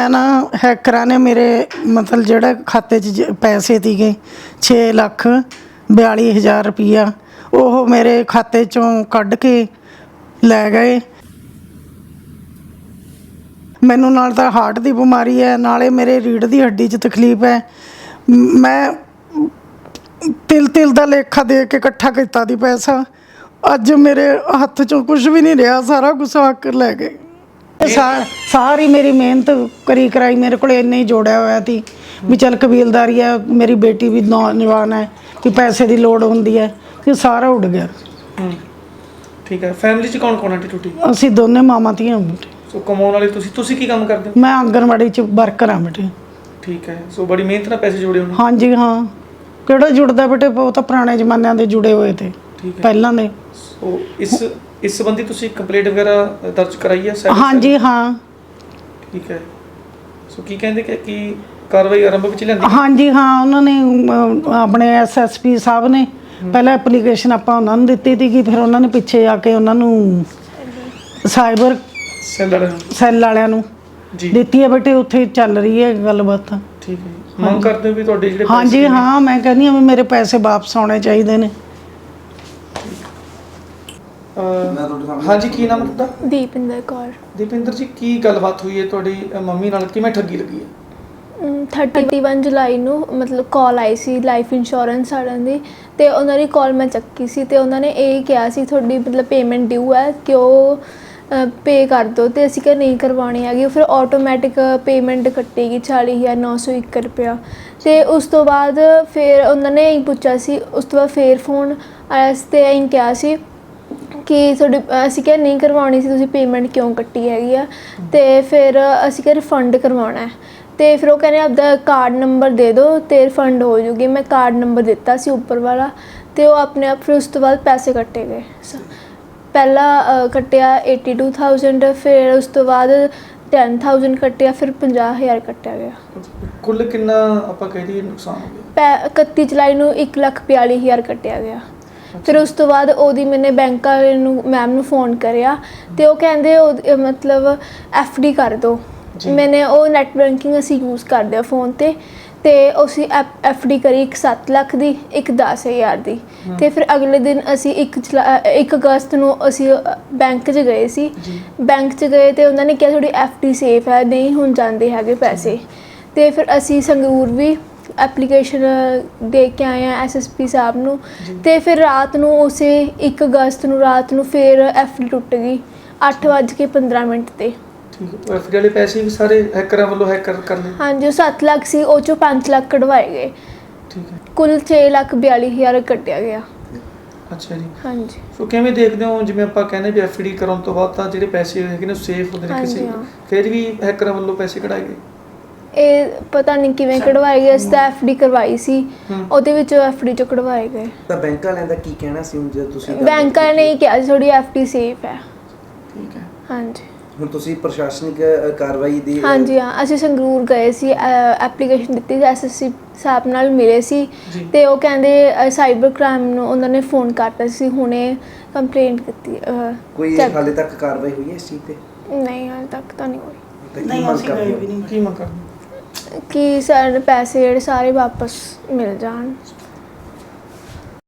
मैं ना हैकरां ने मेरे मतलब जेह्ड़े खाते 'ਚ पैसे ਸੀਗੇ 6,42,000 रुपया ਉਹ ਮੇਰੇ ਖਾਤੇ 'ਚੋਂ ਕੱਢ ਕੇ ਲੈ ਗਏ। ਮੈਨੂੰ ਨਾਲ ਤਾਂ ਹਾਰਟ ਦੀ ਬਿਮਾਰੀ ਹੈ, ਨਾਲੇ ਮੇਰੇ ਰੀੜ੍ਹ ਦੀ ਹੱਡੀ 'ਚ ਤਕਲੀਫ ਹੈ। ਮੈਂ ਤਿਲ ਦਾ ਲੇਖਾ ਦੇ ਕੇ ਇਕੱਠਾ ਕੀਤਾ ਦੀ ਪੈਸਾ, ਅੱਜ ਮੇਰੇ ਹੱਥ 'ਚੋਂ ਕੁਝ ਵੀ ਨਹੀਂ ਰਿਹਾ, ਸਾਰਾ ਕੁਛ ਹੱਕ ਲੈ ਗਏ। ਸਾਰੀ ਮੇਰੀ ਮਿਹਨਤ ਕਰੀ ਕਰਾਈ ਮੇਰੇ ਕੋਲ ਇੰਨੇ ਹੀ ਜੋੜਿਆ ਹੋਇਆ ਸੀ ਵੀ ਚੱਲ ਕਬੀਲਦਾਰੀ ਹੈ, ਮੇਰੀ ਬੇਟੀ ਵੀ ਨੌਜਵਾਨ ਹੈ ਕਿ ਪੈਸੇ ਦੀ ਲੋੜ ਹੁੰਦੀ ਹੈ, ਕਿ ਸਾਰਾ ਉੱਡ ਗਿਆ। ਠੀਕ ਹੈ। ਫੈਮਿਲੀ 'ਚ ਕੌਣ ਕੌਣ ਆਂਟੀ ਟੁੱਟੀ? ਅਸੀਂ ਦੋਨੇ ਮਾਵਾਂ ਧੀਆਂ ਬੇਟੇ। ਸੋ ਕਮਾਉਣ ਵਾਲੇ ਤੁਸੀਂ ਕੀ ਕੰਮ ਕਰਦੇ ਹੋ? ਮੈਂ ਆਂਗਣਵਾੜੀ 'ਚ ਵਰਕਰ ਹਾਂ ਬੇਟੇ। ਠੀਕ ਹੈ। ਸੋ ਬੜੀ ਮਿਹਨਤ ਨਾਲ ਪੈਸੇ ਜੋੜੇ ਹੋਣੇ। ਹਾਂਜੀ ਹਾਂ, ਕਿਹੜਾ ਜੁੜਦਾ ਬੇਟੇ, ਬਹੁਤ ਪੁਰਾਣੇ ਜ਼ਮਾਨਿਆਂ ਦੇ ਜੁੜੇ ਹੋਏ ਤੇ ਪਹਿਲਾਂ ਦੇ। ਸੋ ਇਸ ਸੰਬੰਧੀ ਤੁਸੀਂ ਕੰਪਲੇਂਟ ਵਗੈਰਾ ਦਰਜ ਕਰਾਈ ਹੈ? ਹਾਂਜੀ ਹਾਂ। ਠੀਕ ਹੈ। ਸੋ ਕੀ ਕਹਿੰਦੇ ਕਿ ਕਾਰਵਾਈ ਆਰੰਭ ਵਿੱਚ ਲਿਆਂਦੀ? ਹਾਂਜੀ ਹਾਂ, ਉਹਨਾਂ ਨੇ ਆਪਣੇ SSP ਸਾਹਿਬ ਨੇ ਪਹਿਲਾਂ ਐਪਲੀਕੇਸ਼ਨ ਆਪਾਂ ਉਹਨਾਂ ਨੂੰ ਦਿੱਤੀ ਸੀਗੀ, ਫਿਰ ਉਹਨਾਂ ਨੇ ਪਿੱਛੇ ਆ ਕੇ ਉਹਨਾਂ ਨੂੰ ਸਾਈਬਰ ਸੈੱਲ ਵਾਲਿਆਂ ਨੂੰ ਦਿੱਤੀ ਹੈ ਬੇਟੇ, ਉੱਥੇ ਚੱਲ ਰਹੀ ਹੈ ਗੱਲਬਾਤ। ਠੀਕ ਹੈ। ਮੰਗ ਕਰਦੇ ਹੋ ਵੀ ਤੁਹਾਡੇ ਜਿਹੜੇ ਹਾਂਜੀ ਹਾਂ, ਮੈਂ ਕਹਿੰਦੀ ਹਾਂ ਵੀ ਮੇਰੇ ਪੈਸੇ ਵਾਪਸ ਆਉਣੇ ਚਾਹੀਦੇ ਨੇ। ਹਾਂਜੀ, ਕੀ ਨਾਮ ਹੈ ਤੁਹਾਡਾ? ਦੀਪਿੰਦਰ ਕੌਰ। ਦੀਪਿੰਦਰ ਜੀ, ਕੀ ਗੱਲਬਾਤ ਹੋਈ ਹੈ ਤੁਹਾਡੀ ਮੰਮੀ ਨਾਲ, ਕਿਵੇਂ ਠੱਗੀ ਲੱਗੀ ਹੈ? 31 ਜੁਲਾਈ ਨੂੰ ਮਤਲਬ ਕਾਲ ਆਈ ਸੀ ਲਾਈਫ ਇੰਸ਼ੋਰੈਂਸ ਵਾਲਿਆਂ ਦੀ, ਅਤੇ ਉਹਨਾਂ ਦੀ ਕਾਲ ਮੈਂ ਚੱਕੀ ਸੀ ਅਤੇ ਉਹਨਾਂ ਨੇ ਇਹ ਕਿਹਾ ਸੀ ਤੁਹਾਡੀ ਮਤਲਬ ਪੇਮੈਂਟ ਡਿਊ ਹੈ ਕਿ ਉਹ ਪੇ ਕਰ ਦਿਓ, ਅਤੇ ਅਸੀਂ ਕਿਹਾ ਨਹੀਂ ਕਰਵਾਉਣੀ ਹੈਗੀ। ਫਿਰ ਆਟੋਮੈਟਿਕ ਪੇਮੈਂਟ ਕੱਟੇਗੀ 40,901 ਰੁਪਇਆ। ਅਤੇ ਉਸ ਤੋਂ ਬਾਅਦ ਫਿਰ ਉਹਨਾਂ ਨੇ ਇਹੀ ਪੁੱਛਿਆ ਸੀ, ਉਸ ਤੋਂ ਬਾਅਦ ਫਿਰ ਫੋਨ ਆਇਆ ਸੀ ਅਤੇ ਇਹੀ ਕਿਹਾ ਸੀ ਕਿ ਤੁਹਾਡੀ, ਅਸੀਂ ਕਿਹਾ ਨਹੀਂ ਕਰਵਾਉਣੀ ਸੀ, ਤੁਸੀਂ ਪੇਮੈਂਟ ਕਿਉਂ ਕੱਟੀ ਹੈਗੀ ਆ। ਅਤੇ ਫਿਰ ਅਸੀਂ ਕਿਹਾ ਰਿਫੰਡ ਕਰਵਾਉਣਾ ਹੈ, ਅਤੇ ਫਿਰ ਉਹ ਕਹਿੰਦੇ ਆਪਦਾ ਕਾਰਡ ਨੰਬਰ ਦੇ ਦਿਓ ਅਤੇ ਰਿਫੰਡ ਹੋ ਜੂਗੀ। ਮੈਂ ਕਾਰਡ ਨੰਬਰ ਦਿੱਤਾ ਸੀ ਉੱਪਰ ਵਾਲਾ, ਅਤੇ ਉਹ ਆਪਣੇ ਆਪ, ਫਿਰ ਉਸ ਤੋਂ ਬਾਅਦ ਪੈਸੇ ਕੱਟੇ ਗਏ। ਪਹਿਲਾਂ ਕੱਟਿਆ 82,000, ਫਿਰ ਉਸ ਤੋਂ ਬਾਅਦ 10,000 ਕੱਟਿਆ, ਫਿਰ 50,000 ਕੱਟਿਆ ਗਿਆ। ਕੁੱਲ ਕਿੰਨਾ ਆਪਾਂ ਕਹਿ ਦਈਏ ਨੁਕਸਾਨ ਹੋ ਗਿਆ? 31 ਜੁਲਾਈ ਨੂੰ 1,42,000 ਕੱਟਿਆ ਗਿਆ। ਫਿਰ ਉਸ ਤੋਂ ਬਾਅਦ ਉਹਦੀ ਮੈਨੇ ਬੈਂਕ ਵਾਲੇ ਨੂੰ ਮੈਮ ਨੂੰ ਫ਼ੋਨ ਕਰਿਆ, ਅਤੇ ਉਹ ਕਹਿੰਦੇ ਉਹ ਮਤਲਬ FD ਕਰ ਦਿਓ। ਮੈਨੇ ਉਹ ਨੈੱਟ ਬੈਂਕਿੰਗ ਅਸੀਂ ਯੂਜ਼ ਕਰਦੇ ਹਾਂ ਫ਼ੋਨ 'ਤੇ, ਅਤੇ ਅਸੀਂ FD ਕਰੀ, ਇੱਕ 7 ਲੱਖ ਦੀ, ਇੱਕ 10,000 ਦੀ। ਅਤੇ ਫਿਰ ਅਗਲੇ ਦਿਨ ਅਸੀਂ 1 ਅਗਸਤ ਨੂੰ ਅਸੀਂ ਬੈਂਕ 'ਚ ਗਏ ਸੀ। ਬੈਂਕ 'ਚ ਗਏ ਅਤੇ ਉਹਨਾਂ ਨੇ ਕਿਹਾ ਤੁਹਾਡੀ FD ਸੇਫ ਹੈ, ਨਹੀਂ ਹੁਣ ਜਾਂਦੇ ਹੈਗੇ ਪੈਸੇ। ਅਤੇ ਫਿਰ ਅਸੀਂ ਸੰਗਰੂਰ ਵੀ ਐਪਲੀਕੇਸ਼ਨ ਦੇ ਕੇ ਆਏ ਹਾਂ SSP ਸਾਹਿਬ ਨੂੰ, ਅਤੇ ਫਿਰ ਰਾਤ ਨੂੰ ਉਸੇ 1 ਅਗਸਤ ਨੂੰ ਰਾਤ ਨੂੰ ਫਿਰ FD ਟੁੱਟ ਗਈ 8:15 'ਤੇ। FD ਵਾਲੇ ਪੈਸੇ ਵੀ ਸਾਰੇ ਹੈਕਰਾਂ ਵੱਲੋਂ ਹੈਕਰ ਕਰ ਲਏ? ਹਾਂਜੀ, ਉਹ 7 ਲੱਖ ਸੀ, ਉਹ 'ਚੋਂ 5 ਲੱਖ ਕਢਵਾਏ ਗਏ। ਠੀਕ ਹੈ। ਕੁੱਲ 6,42,000 ਕੱਟਿਆ ਗਿਆ। ਅੱਛਾ ਜੀ। ਹਾਂਜੀ। ਸੋ ਕਿਵੇਂ ਦੇਖਦੇ ਹੋ, ਜਿਵੇਂ ਆਪਾਂ ਕਹਿੰਦੇ ਵੀ FD ਕਰਾਉਣ ਤੋਂ ਬਾਅਦ ਤਾਂ ਜਿਹੜੇ ਪੈਸੇ ਹੈਗੇ ਨੇ ਸੇਫ ਹੁੰਦੇ ਨੇ ਕਿਸੇ, ਫਿਰ ਵੀ ਹੈਕਰਾਂ ਵੱਲੋਂ ਪੈਸੇ ਕਢਾਏ ਗਏ? ਇਹ ਪਤਾ ਨਹੀਂ ਕਿਵੇਂ ਕਢਵਾਏ ਗਏ, ਅਸੀਂ ਤਾਂ FD ਕਰਵਾਈ ਸੀ, ਉਹਦੇ ਵਿੱਚੋਂ FD 'ਚੋਂ ਕਢਵਾਏ ਗਏ। ਤਾਂ ਬੈਂਕ ਵਾਲਿਆਂ ਦਾ ਕੀ ਕਹਿਣਾ ਸੀ ਜੇ ਤੁਸੀਂ? ਬੈਂਕ ਵਾਲਿਆਂ ਨੇ ਇਹ ਕਿਹਾ ਸੀ ਤੁਹਾਡੀ FD ਸੇਫ ਹੈ। ਠੀਕ ਹੈ। ਹਾਂਜੀ। ਹੁਣ ਤੁਸੀਂ ਪ੍ਰਸ਼ਾਸਨਿਕ ਕਾਰਵਾਈ ਦੀ? ਹਾਂਜੀ ਹਾਂ, ਅਸੀਂ ਸੰਗਰੂਰ ਗਏ ਸੀ, ਐਪਲੀਕੇਸ਼ਨ ਦਿੱਤੀ ਸੀ, SSP ਸਾਹਿਬ ਨਾਲ ਮਿਲੇ ਸੀ, ਅਤੇ ਉਹ ਕਹਿੰਦੇ ਸਾਈਬਰ ਕ੍ਰਾਈਮ ਨੂੰ ਉਹਨਾਂ ਨੇ ਫ਼ੋਨ ਕਰਤਾ ਸੀ, ਹੁਣੇ ਕੰਪਲੇਂਟ ਕੀਤੀ। ਕੋਈ ਹਾਲੇ ਤੱਕ ਕਾਰਵਾਈ ਹੋਈ ਹੈ ਇਸ ਚੀਜ਼ 'ਤੇ? ਨਹੀਂ, ਹਾਲੇ ਤੱਕ ਤਾਂ ਨਹੀਂ ਹੋਈ। ਨਹੀਂ, ਅਸੀਂ ਗਏ ਵੀ ਨਹੀਂ। ਕੀ ਮੰਗ ਕਰਦੇ? ਕਿ ਸਾਡੇ ਪੈਸੇ ਜਿਹੜੇ ਸਾਰੇ ਵਾਪਸ ਮਿਲ ਜਾਣ।